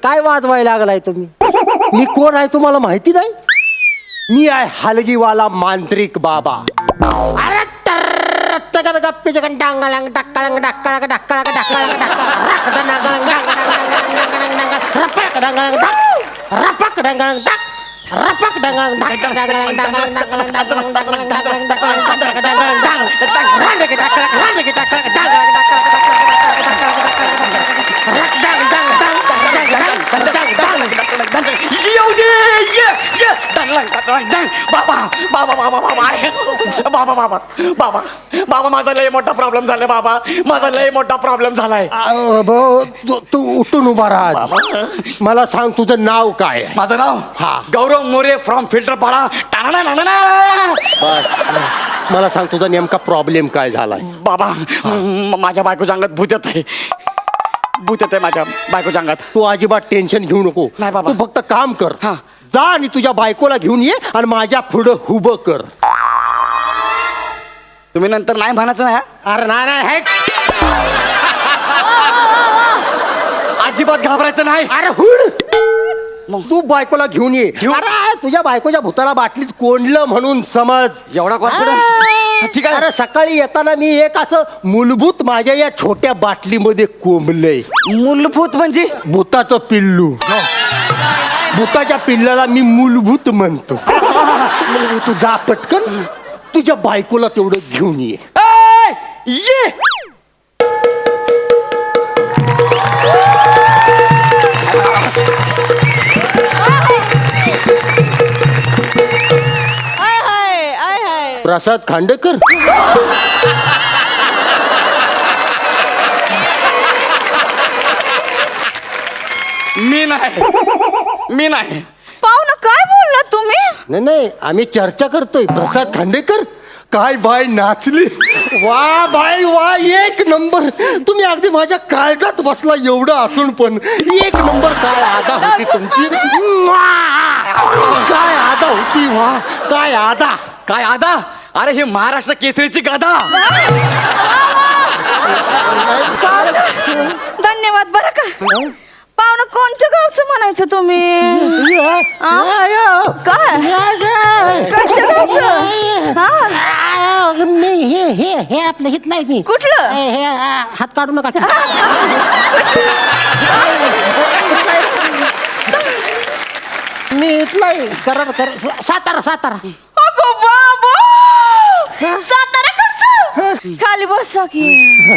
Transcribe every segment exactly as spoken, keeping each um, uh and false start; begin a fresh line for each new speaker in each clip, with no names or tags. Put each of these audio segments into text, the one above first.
काय वाजवायला लागलाय तुम्ही? मी कोण आहे तुम्हाला माहिती नाही? मी आहे हलगीवाला मांत्रिक बाबा. अरे तर गप्पीचे डांगळंग डाक्कळंग डाक्कळंग डाक्कळंग डाक्कळंग रपक डांगळंग रपक डांगळंग रपक डांगळंग डांगळंग डांगळंग डांगळंग डांगळंग डांगळंग डांगळंग डांगळंग डांगळंग डांगळंग रांडे की डांगळंग रांडे की डांगळंग डांगळंग
बाबा बाबा बाबा बाबा बाबा बाबा बाबा बाबा माझा लय मोठा प्रॉब्लेम झालाय बाबा माझा लय मोठा प्रॉब्लेम झालाय.
तू उठून उभा राहा. मला सांग तुझं नाव काय?
माझं नाव
हा
गौरव मोरे फ्रॉम फिल्टर पाडा. टाणा ना ना
मला सांग तुझा नेमका प्रॉब्लेम काय झालाय?
बाबा म- माझ्या बायकोच्या अंगात भूत येत आहे. भूत येत आहे माझ्या बायकोच्या अंगात.
तू अजिबात टेन्शन घेऊ नको.
नाही बाबा.
तू फक्त काम कर.
हा.
जा आणि तुझ्या बायकोला घेऊन ये आणि माझ्या पुढं उभं कर.
तुम्ही नंतर नाही म्हणायचं ना.
अरे नाही नाही हे.
अजिबात घाबरायचं नाही.
अरे हुड तू बायकोला घेऊन ये. अरे तुझ्या बायकोच्या भूताला बाटलीत कोंडलं म्हणून समज.
एवढा कॉन्फिडन्स?
हा.
ठीक आहे.
अरे सकाळी येताना मी एक असं मूलभूत माझ्या या छोट्या बाटलीमध्ये कोंबलंय.
मूलभूत म्हणजे
भूताचं पिल्लू. भूताच्या पिल्लाला मी मूलभूत म्हणतो. तू जा पटकन तुझ्या बायकोला तेवढं घेऊन ये.
ए, ये
आय हाय आय हाय.
प्रसाद खांडेकर.
मी नाही मी नाही.
पाहुणं काय बोलला तुम्ही?
नाही नाही आम्ही चर्चा करतोय. प्रसाद खांडेकर काय बाय नाचली. वा बाय वा एक नंबर. तुम्ही अगदी माझ्या काळजात बसला एवढं असून पण एक नंबर. काय आदा होती तुमची. काय आदा होती. वा काय आदा.
काय आदा. अरे हे महाराष्ट्र केसरीची गादा.
धन्यवाद बरं का. पाहुणं कोणत्या गावचं म्हणायचं तुम्ही? काय कोणत्या गावचं? हा
मी हे हे हे आपलं हित नाही मी.
कुठलं?
हे हे, आ, हात काढू नका. मी इथलाय करार कर सातारा सातारा.
अगो बाबा साताऱ्याकडचं. खाली बसा की.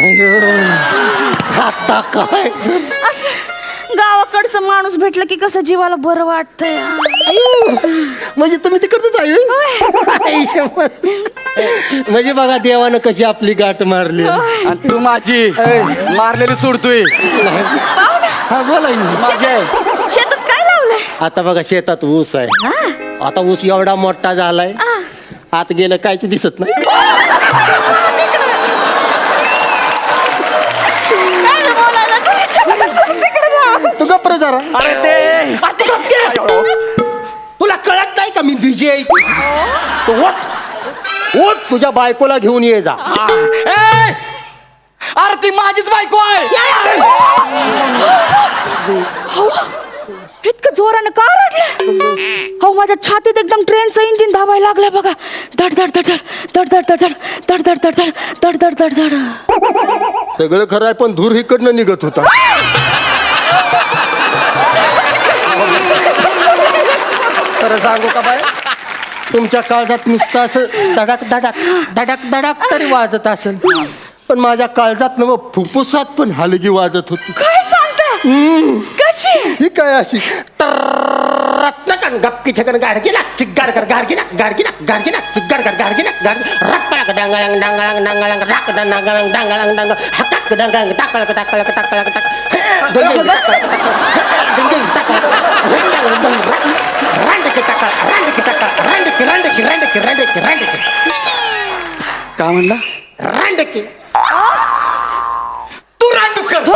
आता काय
असं गावाकडचं माणूस भेटलं की कसं जीवाला बरं वाटतंय.
म्हणजे तुम्ही तिकडच आहे. म्हणजे बघा देवानं कशी आपली गाठ मारली.
आणि तू माझी मारलेली सोडतोय.
हा बोला की.
माझी आहे.
शेतात काय लावलंय?
आता बघा शेतात ऊस आहे. आता ऊस एवढा मोठा झालाय आत गेलं कायच दिसत नाही.
काय बोलायला तुम्ही? चला, चला, तिकडे जा.
तू गप्प रे जरा.
अरे ते
तुला कळत नाही का मी बिझी आहे. तू उठ उठ तुझ्या बायकोला घेऊन ये जा.
ए, अरे ती माझीच बायको आहे.
इतकं जोरानं का रडलं? हो माझ्या छातीत एकदम ट्रेनचं इंजिन धावायला लागलं बघा. धड धड धड धड धड धड धड धड धड धड धड धड धड धड.
सगळं खरं आहे पण धूर इकडनं निघत होता. खरं सांगू का बाय तुमच्या काळजात नुसतं असं धडक धडक धडक धडक तरी वाजत असेल पण माझ्या काळजात न फुफ्फुसात पण हलगी वाजत होती.
काय सांगता? कशी?
ही काय अशी रत्नकन गप्पी छगन गाडगिना चिग्गाड कर गाडगिना गाडगिना गाडगिना चिग्गाड कर गाडगिना गाड रप्पळक डांगळंग डांगळंग डांगळंग राक डांगळंग डांगळंग डांग हक्क डांगळंग टाकळक टाकळक टाकळक टाक रांडकी टाकळ रांडकी टाकळ रांडकी रांडकी रांडकी रांडकी रांडकी.
काय म्हणला?
रांडकी
तू रांडुकर.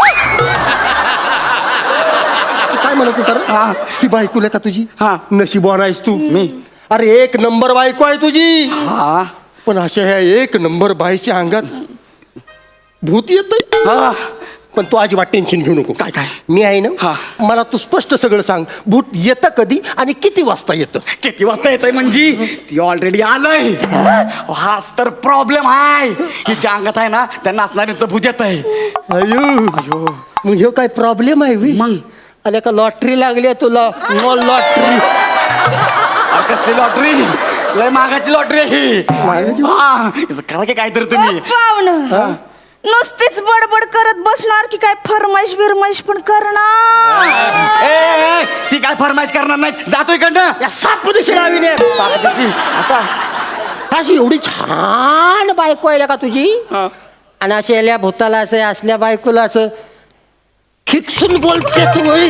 काय म्हणत होता? ही बायको आहे का तुझी?
हा.
नशीबवान आहेस तू.
मी
अरे एक नंबर बायको आहे तुझी.
हा
पण अशा ह्या एक नंबर बाईच्या अंगात भूत येत.
हा
पण तू अजिबात टेन्शन घेऊ नको.
काय, काय?
मी आहे ना,
हा.
मला तू स्पष्ट सगळं सांग. भूत येतं कधी आणि किती वाजता येतं?
किती वाजता येतंय म्हणजे ती ऑलरेडी आलंय. हाच तर प्रॉब्लेम आहे. हिच्या अंगात आहे ना त्या नाचणाऱ्यांचं भूत येत आहे.
अयो
अयो
मग ह्यो काय प्रॉब्लेम आहे वी?
मग?
आल्या का लॉटरी लागली आहे तुला? लॉटरी
कसली लॉटरी? लय मागाची लॉटरी आहे ही.
मागाची?
हा, हिचं करा की काहीतरी तुम्ही.
पाहुणं नुसतीच बडबड करत बसणार की काय फरमाईश बिरमाईश पण करणार?
ए, ए, ती काय फरमाईश करणार नाही. जातो इकडनं.
या सापदिशी लावीने
सापशीची. असा
अशी एवढी छान बायको आहे का तुझी?
हा.
आणि अशा याल्या भूताला असं असल्या बायकोला असं खिकसून बोलते तू होय.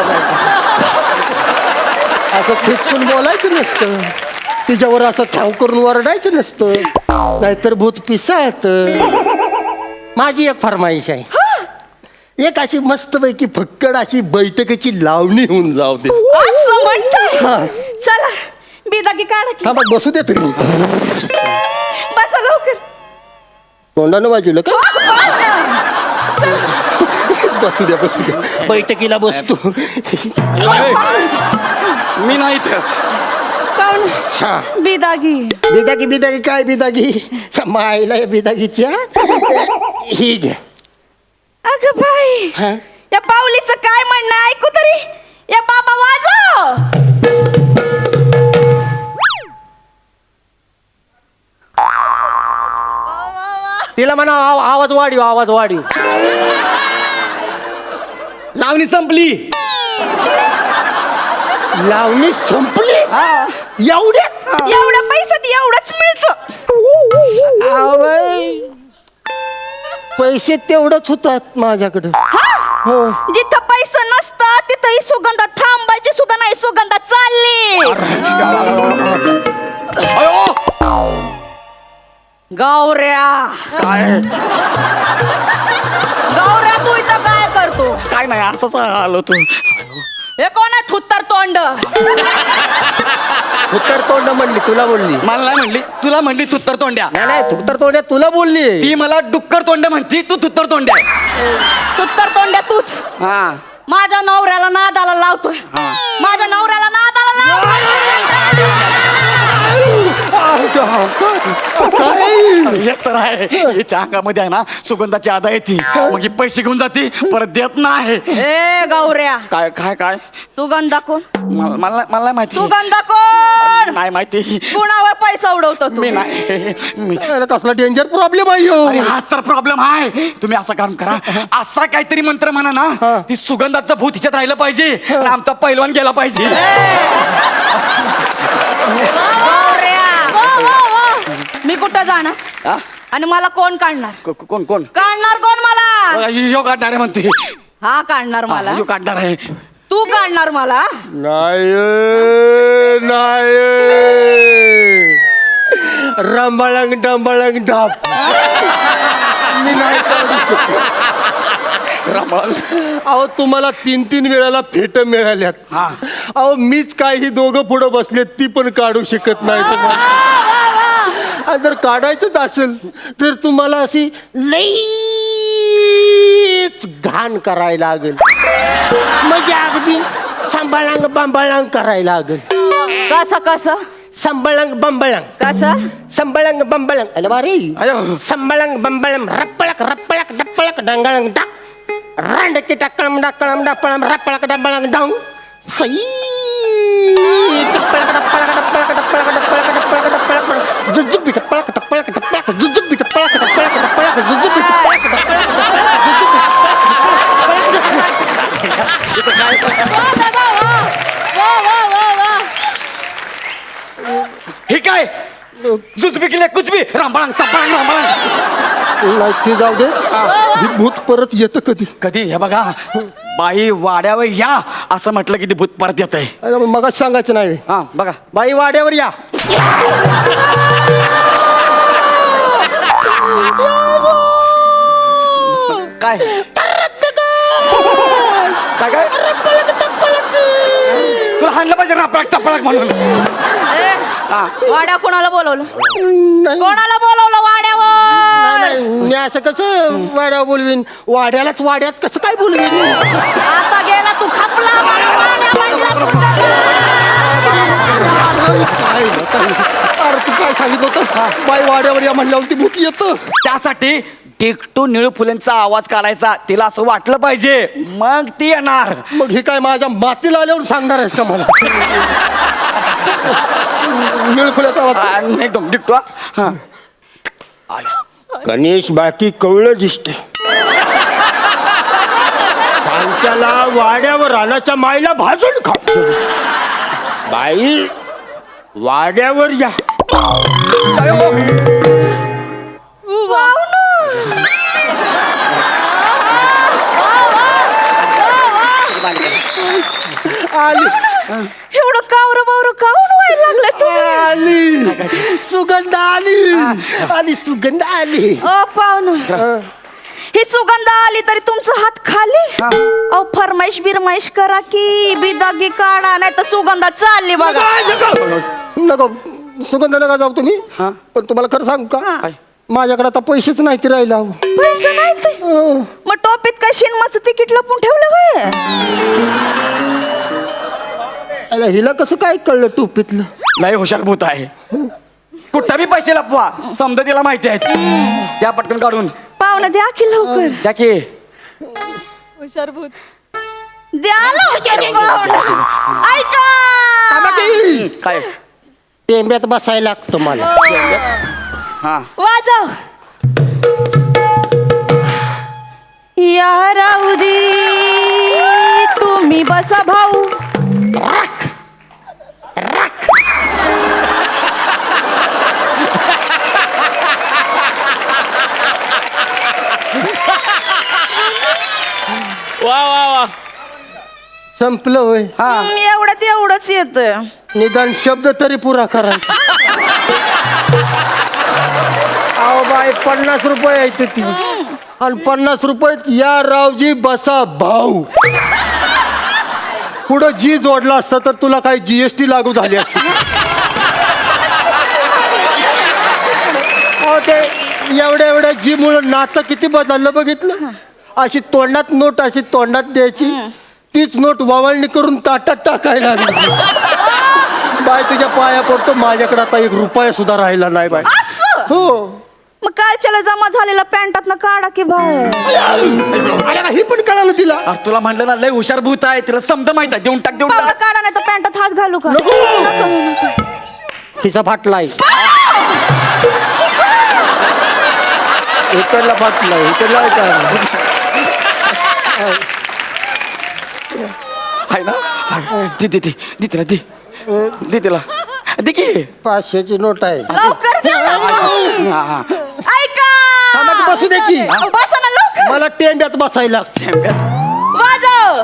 असं खिकसून बोलायचं नसतं. तिच्यावर असं ठाव करून वरडायचं नसतं, नाहीतर भूत पिसाळत. माझी एक फरमाईश आहे. एक अशी मस्तपैकी फक्कड अशी बैठकीची लावणी होऊन जाऊ दे.
असं म्हणताय?
हा.
चला बिदागी काढा की.
थांबा बसू दे तुम्ही.
बसा लवकर.
तोंडानं बाजूला का?
पाहुणं, चला.
बसू द्या बसू द्या. बैठकीला बसतो.
मी नाही इथं.
पाहुणं, बिदागी.
बिदागी बिदागी काय बिदागी? मायला या बिदागीच्या ही घ्या.
अगं बाई,
हा?
या पाऊलीचं काय म्हणणं आहे? ऐकू तरी. या बाबा वाजव.
तिला म्हणा आव- आवाज वाढीव आवाज वाढीव.
लावणी संपली.
लावणी संपली एवढ्यात?
एवढ्या पैशात एवढंच मिळतं.
आवय, पैसे तेवढंच होतात माझ्याकडं. हो.
जिथं पैसा नसतं तिथं ही सुगंधा थांबायची सुद्धा नाही. सुगंधा चालली.
अयो
गौऱ्या,
काय
गौऱ्या तू इथं काय करतो?
काय नाही असंच आलो तू.
हे कोण आहे थुत्तर तोंड?
उत्तर तोंड म्हणली तुला बोलली?
मला नाही म्हणली, तुला म्हणली तुत्तर तोंड्या.
नाही नाही उत्तर तोंड तुला बोलली.
ती मला डुक्कर तोंड म्हणती, तू तुत्तर तोंड्या.
थुत्तर तोंड्या तूच
हा
माझ्या नवऱ्याला नादाला लावतोय. माझ्या नवऱ्याला नादाला लावतोय.
काय?
हेच तर आहे. हिच्या अंगामध्ये आहे ना सुगंधाची आदा येते, मग ही पैसे घेऊन जाते, परत देत नाही.
ए गौऱ्या,
काय काय काय
सुगंधा कोण?
मला मला मला नाही माहिती.
सुगंधा कोण?
नाही माहिती.
कुणावर पैसा उडवतो तू?
मी नाही मी
याला कसला डेंजर प्रॉब्लेम आहे ह्यो?
अरे हाच तर प्रॉब्लेम आहे. तुम्ही असं काम करा, असा काहीतरी मंत्र म्हणा ना, ती सुगंधाचं भूत हिच्यात राहिलं पाहिजे आणि आमचा पैलवान गेला पाहिजे.
गौऱ्या, मी कुठं जाणार
हा?
आणि मला कोण काढणार?
को- को- कोण कोण
काढणार कोण मला?
यो काढणार आहे म्हणतोय.
हा काढणार मला.
यो काढणार आहे.
तू काढणार मला?
नाही नाही रंबाळंग डंबाळंग डाप. मी नाही काढू शकत. अहो तुम्हाला तीन तीन वेळाला फेट मिळाल्यात.
हा.
अहो मीच काय ही दोघं पुढं बसलेत ती पण काढू शकत नाही तुम्हाला. आणि जर काढायचंच असेल तर तुम्हाला अशी लईच घाण करायला लागेल. म्हणजे अगदी सांभाळांग बांबाळांग करायला लागेल.
कसं कसं?
संबळंग बंबळंग
कसं?
संबळंग बंबळंग. अरे बारे
अयो.
संबळंग बंबळंग रप्पळक रप्पळक डप्पळक डंगळंग डाक रांडकी टाकळम डाकळम डप्पळम रप्पळक डंबळंग डाऊन सई टप्पळक डप्पळक डप्पळक डप्पळक डप्पळक डप्पळक डप्पळक जुजुबी टप्पळक टप्पळक टप्पळक जुजुबी टप्पळक टप्पळक टप्पळक जुजुबी टप्पळक टप्पळक
हे काय जुजबी केले कुछ भी रामबाळांग सपाळांग रामबाळांग.
नाही ते जाऊ दे. ही भूत परत येतं कधी?
कधी हे बघा, बाई वाड्यावर या असं म्हटलं की ते भूत परत येत आहे.
अरे मग सांगायचं नाही.
हा बघा.
बाई वाड्यावर या.
काय काय काय तुला हाणलं पाहिजे रापळक टपळक म्हणून.
ए,
हा.
वाड्या कोणाला बोलवलं?
नाही
कोणाला बोलवलं वाड्यावर?
नाही मी असं कसं वाड्या बोलवीन वाड्यालाच वाड्यात कसं काय बोलवीन
आता गेला तू खपला मला वाड्या म्हटलं तुझं
काय अरे तू काय सांगितलं होतं बाई वाड्यावर या म्हणल्यावरती भूत येतं
त्यासाठी टिकटू निळू फुलेंचा आवाज काढायचा तिला असं वाटलं पाहिजे मग ती येणार
मग हे काय माझ्या मातीला आल्यावर सांगणार आहेस का मला निळखुल्याचा आवाज
आ, एकदम टिकटू हा
गणेश बाकी कवळं दिसते त्यांच्याला वाड्यावर रानाच्या माईला भाजून खा बाई वाड्यावर या आली
एवढं कावर बावर काऊन व्हायला लागलं तू
आली सुगंध आली आली सुगंध आली
ओ पाहुणं ही सुगंध आली तरी तुमचा हात खाली अहो फरमाईश बिरमाईश करा की बिदागी काढा नाही तर सुगंधा चालली बघा
नको सुगंध नका जाऊ तुम्ही पण तुम्हाला खरं सांगू का माझ्याकडे आता पैसेच नाही ते राहिला
पैसे नाही ते मग टोपीत काय शिनमाचं तिकीट लपून ठेवलं होय
अरे हिला कसं काय कळलं टोपीतलं
लय हुशार भूत आहे कुठं बी पैसे लपवा समजा तिला माहिती आहेत त्या पटकन काढून
पाहुणं द्या की लवकर
द्या की
हुशार भूत द्या लवकर पाहुणं. ऐका
काय
टेंब्यात बसायला लागतं मला
हा
वाजव या राऊरी तुम्ही बसा भाऊ
वा वा वा
संपलं होय
हम्म, एवढ्यात एवढंच येत
निदान शब्द तरी पुरा करा अहो बाई पन्नास रुपये यायचे ती आणि पन्नास रुपयात या रावजी बसा भाऊ पुढं जी जोडला असतं तर तुला काही जीएसटी लागू झाली असती अहो ते एवढ्या एवढ्या जी मुळे नातं किती बदललं बघितलं अशी तोंडात नोट अशी तोंडात द्यायची तीच नोट ववाळणी करून ताटात टाकायला लागली बाय तुझ्या पाया पडतो माझ्याकडे आता एक रुपया सुद्धा राहिला नाही बाय
असं
हो
मग कालच्याला जमा झालेला पॅन्टात ना काढा की बाहेर
अरे का हे पण कळालं तिला
अरे तुला म्हटलं ना लय हुशार भूत आहे तिला समजा माहित आहे देऊन टाक देऊन
पाहुणं
टाक
काढा नाही तर पॅन्टात हात घालू का
नको.
नको, नको.
हिचा फाटलाय इकडला फाटलाय इकडला
आहे ना आहे. दे दे दे दे तिला दे दे तिला दे की
पाचशेची नोट आहे
लवकर द्या ना.
हा, हा.
ऐका
थांबा की बसू दे की.
अहो, बसा ना लवकर
मला टेंब्यात बसायला लागतं.
वाजव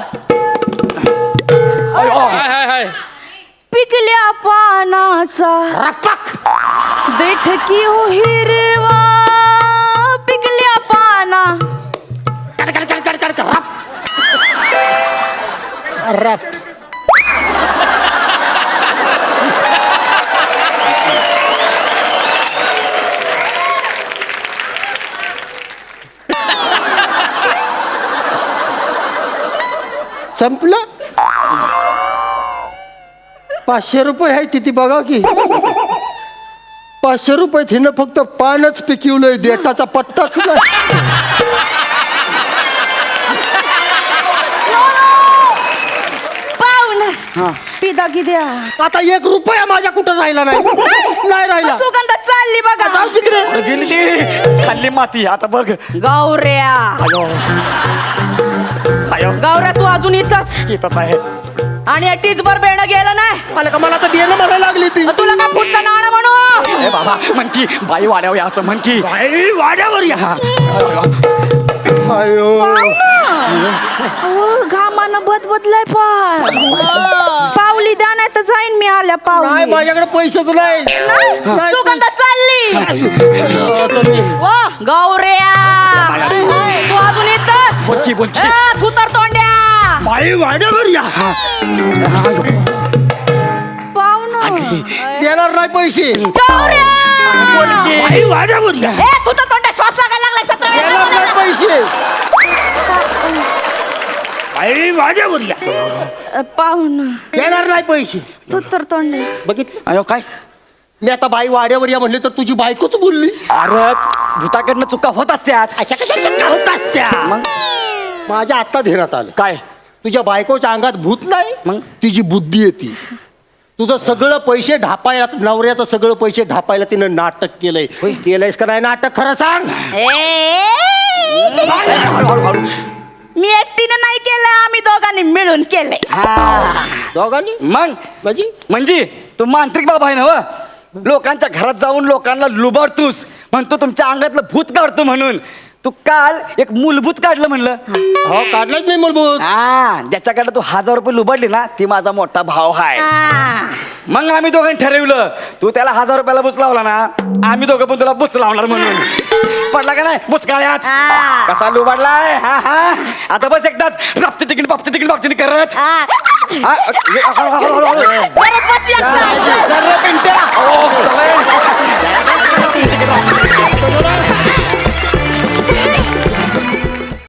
अय, अ. हाय, हाय, हाय.
पिकल्या पानाचा
रपक.
बैठकी हो हिरवा पिकल्या पाना
कड, कड, कड, कड, कड, कड, रप. रप. संपलं पाचशे रुपये आहे तिथे बघा की पाचशे रुपये हिनं फक्त पानच पिकवलंय देठाचा पत्ताच नाही
पाहुण पिदागी द्या
आता एक रुपया माझ्या कुठं राहिला नाही नाही राहिला
सुगंध चालली बघा
जाऊ तिकडे
अरे गेली ती खाल्ली माती आता बघ
गौऱ्या
अयो अयो
गौऱ्या तू अजून इथंच
येतच आहे
आणि या टीचभर बेणं गेलं नाही
मला का मला तर बियाणं म्हणायला लागली ती
मग तुला का पुढचं नाणं म्हणू
ए बाबा म्हण की बाई वाड्यावर असं म्हण की
बाई, वाड्यावर या अयो
अहो, घामानं बद बदलाय पाय पावली द्या नाही तर जाईन मी आल्या
नाही
पावली
माझ्याकडे पैसेच नाही नाही.
सुगंध चालली
आता मी-
वा गौऱ्या तू अजून इथंच
बोल की बोल की
ए, तू तर तोंड्या
बाई वाड्यावर या
पाहुणं
देणार नाही पैसे
गौऱ्या
बोल की
बाई वाड्यावर या
ए तू तर तोंड्या श्वास लागायला
पैसे आई माझ्या बोलल्या
पाहुणा
देणार नाही पैसे
तू तर तोंड
बघितलं
अयो काय
मी आता बाई वाड्यावर या म्हणले तर तुझी बायकोच बोलली
अरे भूताकडनं चुका होत असत्यात.
अशा कशा चुका होतात त्या
मग
माझ्या आता ध्येयात आलं
काय
तुझ्या बायकोच्या अंगात भूत नाही
मग?
तिची बुद्धी येते तुझं सगळं पैसे ढापायला नवऱ्याचं सगळं पैसे ढापायला तिनं नाटक केलंय केलंयस का नाही नाटक खरं सांग
हळूहळू हळू
मी एकटीने नाही केलं आम्ही दोघांनी मिळून केलंय
दोघांनी
मग
म्हणजे
म्हणजे तू मांत्रिक बाबा आहे ना व? लोकांच्या घरात जाऊन लोकांना लुबाडतोस म्हणतो तुमच्या अंगातलं भूत काढतो म्हणून तू काल एक मूलभूत काढलं म्हणलं.
हो काढलाच नाही मूलभूत
हा ज्याच्याकडे तू हजार रुपये लुबाडली ना ती माझा मोठा भाव आहे. मग आम्ही दोघांनी ठरवलं तू त्याला हजार रुपयाला बुच लावला ना आम्ही दोघं पण तुला बुच लावणार म्हणून पडला का नाही बुचकाळ्यात कसा लुबाडलाय हा हा आता बस एकदाच रापची तिकीट बापची तिकीट बापची करत हा, हळू, हळू, हळू, हळू.
बरं, बस एकटा.
जरा पिंट्या. ओ,